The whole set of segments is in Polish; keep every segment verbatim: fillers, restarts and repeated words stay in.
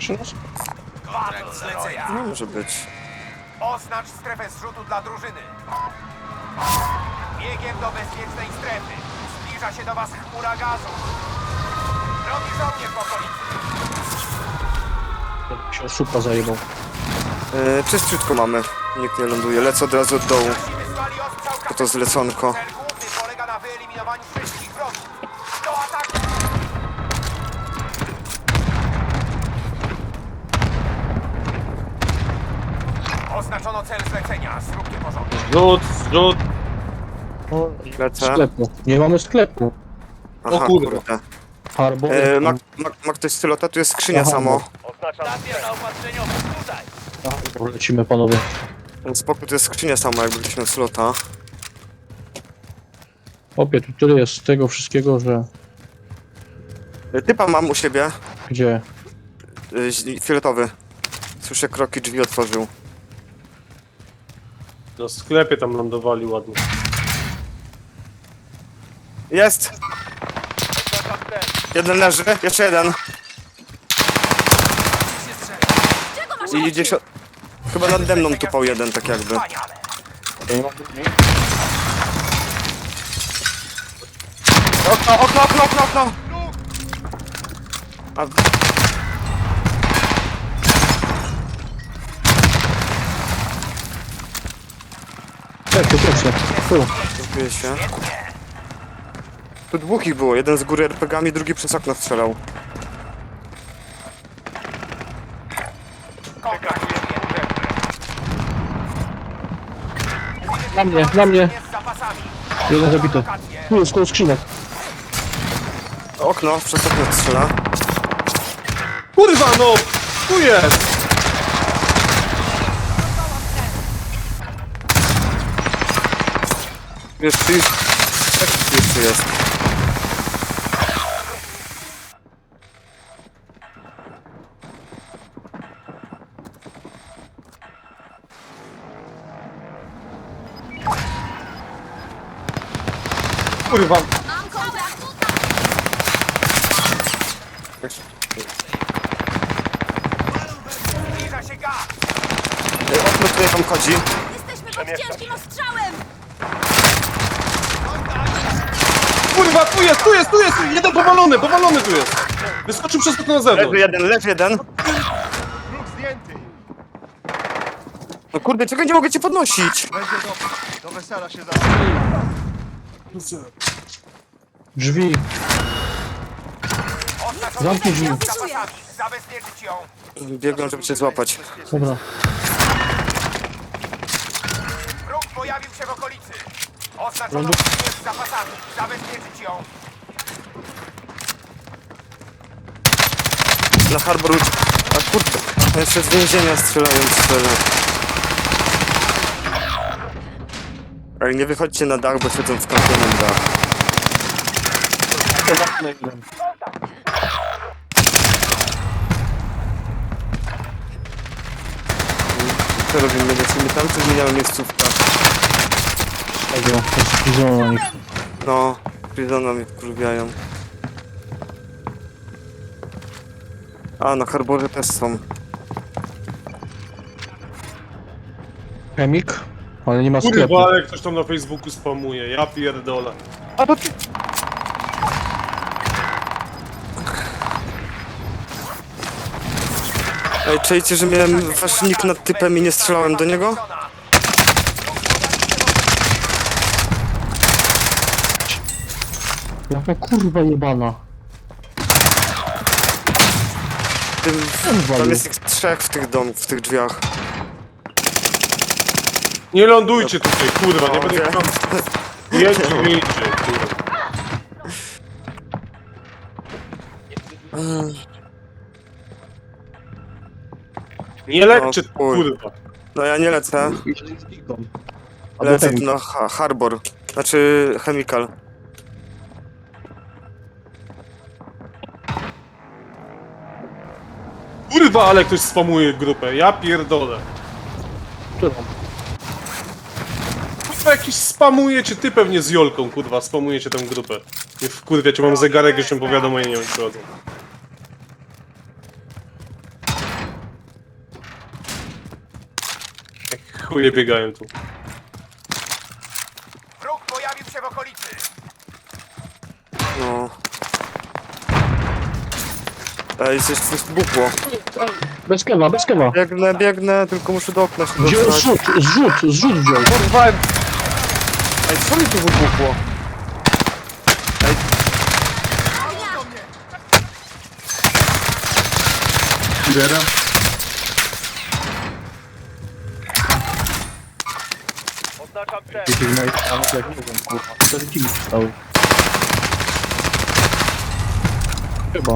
przy nas? Kontrakt zlecenia. No może być. Oznacz strefę zrzutu dla drużyny. Biegiem do bezpiecznej strefy. Zbliża się do was chmura gazu. Drogi żołnierz w okolicy. Jak się szupa zajebał. Yy, czyściutko mamy. Nikt nie ląduje. Lecę od razu od dołu. Nasi wysłali ostrzał To to zleconko. Cel główny polega na wyeliminowaniu wszystkich wrogów. Do ataku! Oznaczono cel zlecenia. Zróbcie porządek. Zrzut, zrzut. O, Lecę. sklepu. Nie mamy sklepu. Aha, kurwa. kurde. Harbo. E, ma, ma, ma ktoś stylota? Tu jest skrzynia Aha, samo. Oznaczam stacja zaopatrzeniowa. Tutaj. Lecimy panowie. Spokój, to jest skrzynia sama, jakby ktoś miał slota. Opie, tu tyle jest tego wszystkiego, że... E, Typa mam u siebie. Gdzie? E, ź- fioletowy. Słyszę kroki, drzwi otworzył. Na sklepie tam lądowali ładnie. Jest! Jeden leży, jeszcze jeden. I idzie się... Chyba nade mną tupał jeden, tak jakby. Wspaniale. Okno, okno, okno, okno, okno! A... Tak, to pierwsze. Tu. Dziękuję się. Tu dwóch ich było, jeden z góry er pe gami, drugi przez okno strzelał. Na mnie, na mnie. Z zapasami. Jeden zabity. Tu jest koło skrzynek. Okno, przez okno strzela. Kurwa no! Tu jest! Jeszcze już... Tak, jeszcze jest. Kurwa! Mam kontrakt! Zbliża się gaz. E, Okno tutaj wam chodzi. Jesteśmy pod ciężkim ostrzałem! Kurwa, tu jest, tu jest, tu jest! Jeden powalony, powalony tu jest! Wyskoczył przez okno na Leży zewnątrz. jeden, leży jeden. No kurde, czego nie mogę cię podnosić? Drzwi. Oznaczono Zamknij drzwi. z zapasami. Zabezpieczyć ją. Biegłem, żeby cię złapać. Dobra. Wróg pojawił się w okolicy. Oznaczono skrzynię z zapasami. Zabezpieczyć ją. Na Harbor uciekł. A kurde, jeszcze z więzienia strzelają strzela. Ale nie wychodźcie na dach, bo siedzą w kampianym dach. Co robimy? Lecimy tam, czy zmieniamy miejscówkę? Tego, to jest pizona na nich. No, Prizona mnie wkurwiają. A, na Harborze też są. Chemik? Ale nie ma sklepu. Kurwa, ale ktoś tam na Facebooku spamuje, ja pierdolę. A to ty... Ej, czajcie, że miałem wasz nick nad typem i nie strzelałem do niego? Jaka kurwa jebana. Tym, Kurwa, tam nie. jest ich trzech w tych dom, w tych drzwiach. Nie lądujcie tutaj, kurwa, nie O, będę wie. tam... Jedźcie, miejcie, kurwa. Nie lećcie, O, chuj. kurwa. No ja nie lecę, lecę tu na ha Harbor. Znaczy Chemical. Kurwa, ale ktoś spamuje grupę, ja pierdolę. Którą? Kurwa, jakiś spamujecie, ty pewnie z Jolką, kurwa, spamujecie tę grupę. Nie wkurwiacie, mam zegarek, jeszcze powiadomienia nie przychodzą. Chuje biegają tu. Wróg pojawił się w okolicy. No. Ej, coś, coś buchło. Bez kewa, bez kewa. Biegnę, biegnę, tylko muszę do okna się Wziął dostać. zrzut, zrzut, zrzut wziął. Kurwa! Ej, co mi tu wybuchło? Zbieram. Oznaczam cel. Wiecie, że nawet jak nie wiem, kurwa. Cztery kili zostały. Chyba.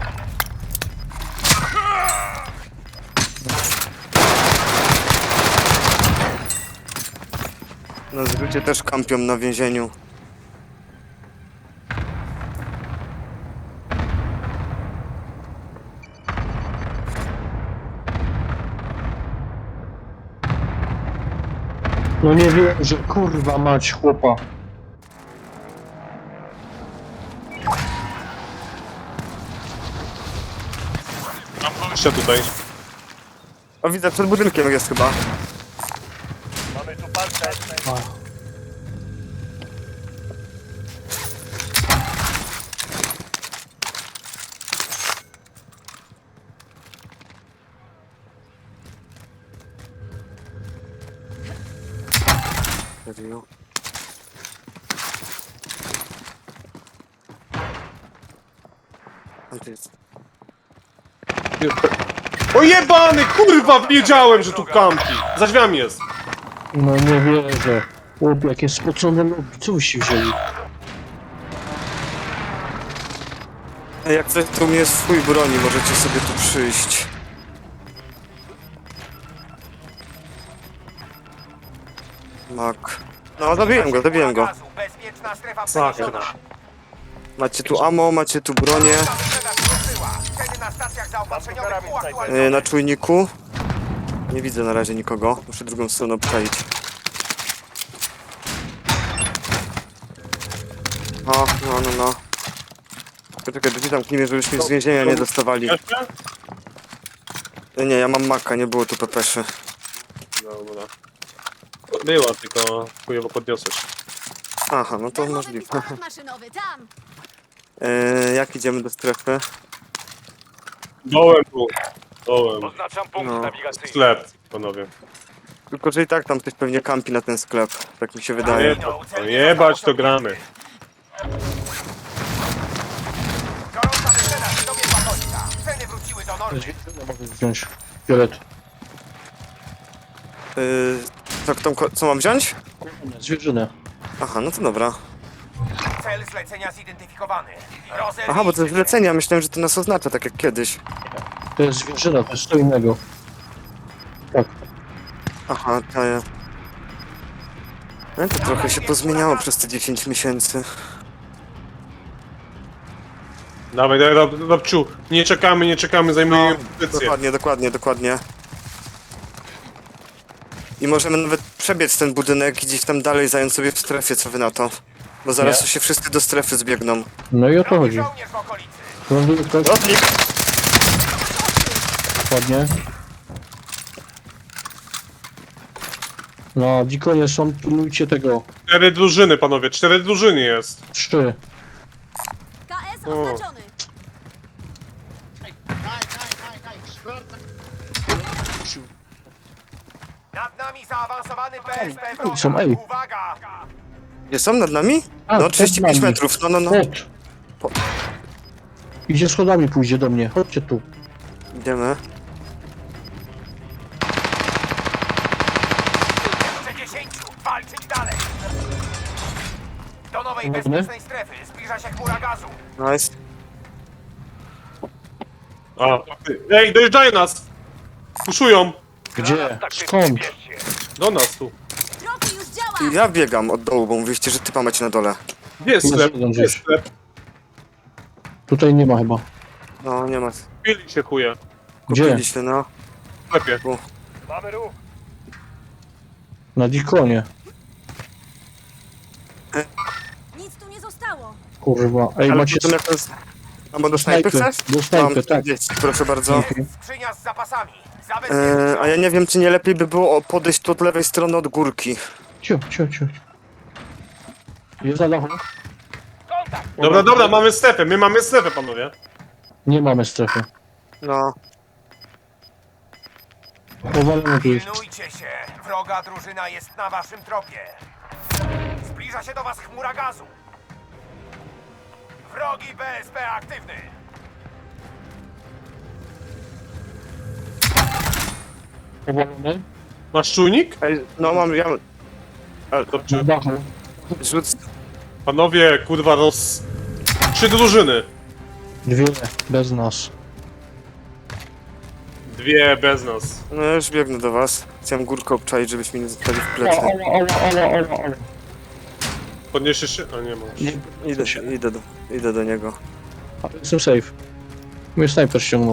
Na zrzucie też kampią na więzieniu. No nie wiem, że kurwa mać chłopa. Mam gościa tutaj. O, widzę, przed budynkiem jest chyba. Mamy tu palce. A. Serio? Tam to jest. O jebany, kurwa, wiedziałem, że tu kampi. Za drzwiami jest. No nie wierzę. Chłop, jakie spocone nogi, co byście wzięli? Ej, jak coś tu jest swój broni, możecie sobie tu przyjść. Mak. No, zabiłem go, zabiłem go. Gazu. Bezpieczna strefa Sakra. przeniesiona. Macie tu ammo, macie tu bronię. Wyprzedaż ruszyła. Ceny na stacjach zaopatrzeniowych uaktualnione. Yy, na czujniku. Nie widzę na razie nikogo. Muszę drugą stronę obczaić. O, no, no, no. Poczekaj, drzwi zamknijmy, żebyśmy z więzienia nie dostawali. Jeszcze? Yy, Nie, ja mam maka, nie było tu pepeszy. Dobra. Była, tylko chujowo podniosłeś. Aha, no to Darmowy możliwe. pistolet maszynowy, tam! Yy, jak idziemy do strefy? Dołem tu. Dołem. Oznaczam punkt No. nawigacyjny. Sklep, panowie. Tylko, że i tak tam ktoś pewnie kampi na ten sklep. Tak mi się wydaje. No jebać, to gramy. Gorąca wyprzedaż dobiegła końca. Ceny wróciły do normy. Mogę wziąć fiolet. Yy, co, kto, co mam wziąć? Zwierzynę. Aha, no to dobra. Cel zlecenia zidentyfikowany. Rozerwij Aha, bo to się. zlecenia, myślałem, że to nas oznacza, tak jak kiedyś. To jest zwierzyna, to jest co innego. Tak. Aha, to ja... No to trochę się pozmieniało przez te dziesięć miesięcy. Dawaj, dawaj, Rob- Robciu. Nie czekamy, nie czekamy, zajmujemy pozycję. Dokładnie, dokładnie, dokładnie. I możemy nawet przebiec ten budynek i gdzieś tam dalej zająć sobie w strefie, co wy na to? Bo zaraz Nie. tu się wszyscy do strefy zbiegną. No i o to chodzi. Żołnierz w okolicy. Ląduje ktoś? Lotnik! Dokładnie. No, dikonie są, pilnujcie tego. Cztery drużyny, panowie, cztery drużyny jest. Trzy. K S O. oznaczony! Nad nami zaawansowany P S P Ej, są, ej. Uwaga! Nie są nad nami? A, No, przed trzydzieści pięć nami. metrów, no, no, no. Chodź. Idzie schodami, pójdzie do mnie. Chodźcie tu. Idziemy. Jeszcze dziesięciu! Walczyć dalej! Do nowej Dobry. bezpiecznej strefy zbliża się chmura gazu. Nice. A, ej, dojeżdżają nas! Puszują! Gdzie? Skąd? Do nas tu. Profi już działa! Ja biegam od dołu, bo mówiliście, że typa macie na dole. Gdzie jest Tu sklep? jest jeden Gdzie jest gdzieś. sklep? Tutaj nie ma chyba. No, nie ma. Kupili się chuje. Gdzie? Kupiliśmy, no. W sklepie. Mamy ruch. Na dikonie. Nic tu nie zostało! Kurwa. Ej, Ale macie... potem jak to jest... A bo do snajpy Snajpy. chcesz? Do snajpy, Mam tak. trzydzieści, proszę bardzo. Schrzynia z zapasami. Zabezpieczmy E, a ja nie wiem, czy nie lepiej by było o- podejść tu od lewej strony od górki. Cio, cio, cio. Jest na dachu? kontakt. Dobra, dobra, mamy strefę, my mamy strefę, panowie. Nie mamy strefy. No. Powalony tu jest. Pilnujcie się. Wroga drużyna jest na waszym tropie. Zbliża się do was chmura gazu. Wrogi B S P aktywny. Powalony? Masz czujnik? Ej, no mam, ja... Na Dobrze. dachu. Rzuc... Panowie, kurwa, roz... Trzy drużyny. Dwie, bez nas. Dwie bez nas. No ja już biegnę do was. Chciałem górkę obczaić, żebyśmy nie zostali w Ała, plecy. ała, ała, ała, ała, ała. Podniesiesz się? A nie masz. Nie, Idę, idę, do, idę do niego. ale jestem safe. Mnie snajper ściągnął.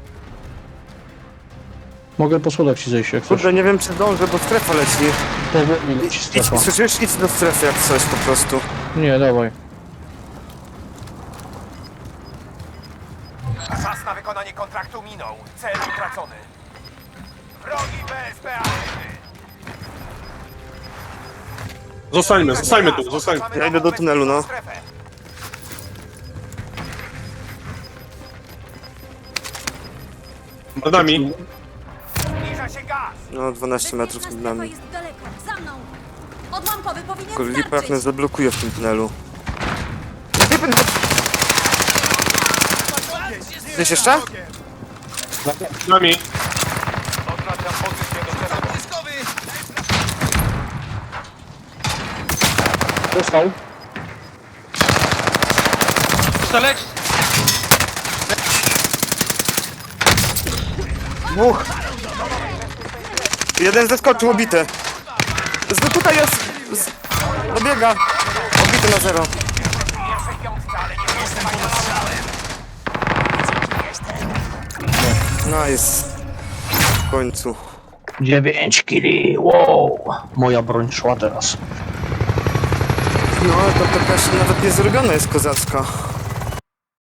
Mogę po schodach ci zejść, jak chcesz. Kurde, nie wiem czy zdążę, bo strefa leci. Powoli leci Idź, strefa. słyszysz? Idź do strefy jak coś po prostu. Nie, dawaj. Czas na wykonanie kontraktu minął. Cel utracony. Wrogi B S P aktywny. Zostańmy, zostańmy tu, zostańmy. Ja idę do tunelu, no. Strefę. Nad nami. Zbliża się gaz. No, dwanaście metrów Bezpieczna przed strefa nami. jest daleko. Za mną. Odłamkowy powinien Kurde, lipa jak nas starczyć. zablokuje w tym tunelu. Gdzieś jeszcze? Nad nami. Oznaczam pozycję do celu. Dostał. Dwóch. Jeden zeskoczył, obity. Z, tutaj jest. Z, dobiega. Obity na zero. Pierwszej piątce, ale nie rozstawaj na strzałem. Nice. W końcu. dziewięć kili, wow. Moja broń szła teraz. No, to taka jeszcze nawet nie zrobiona jest kozacka.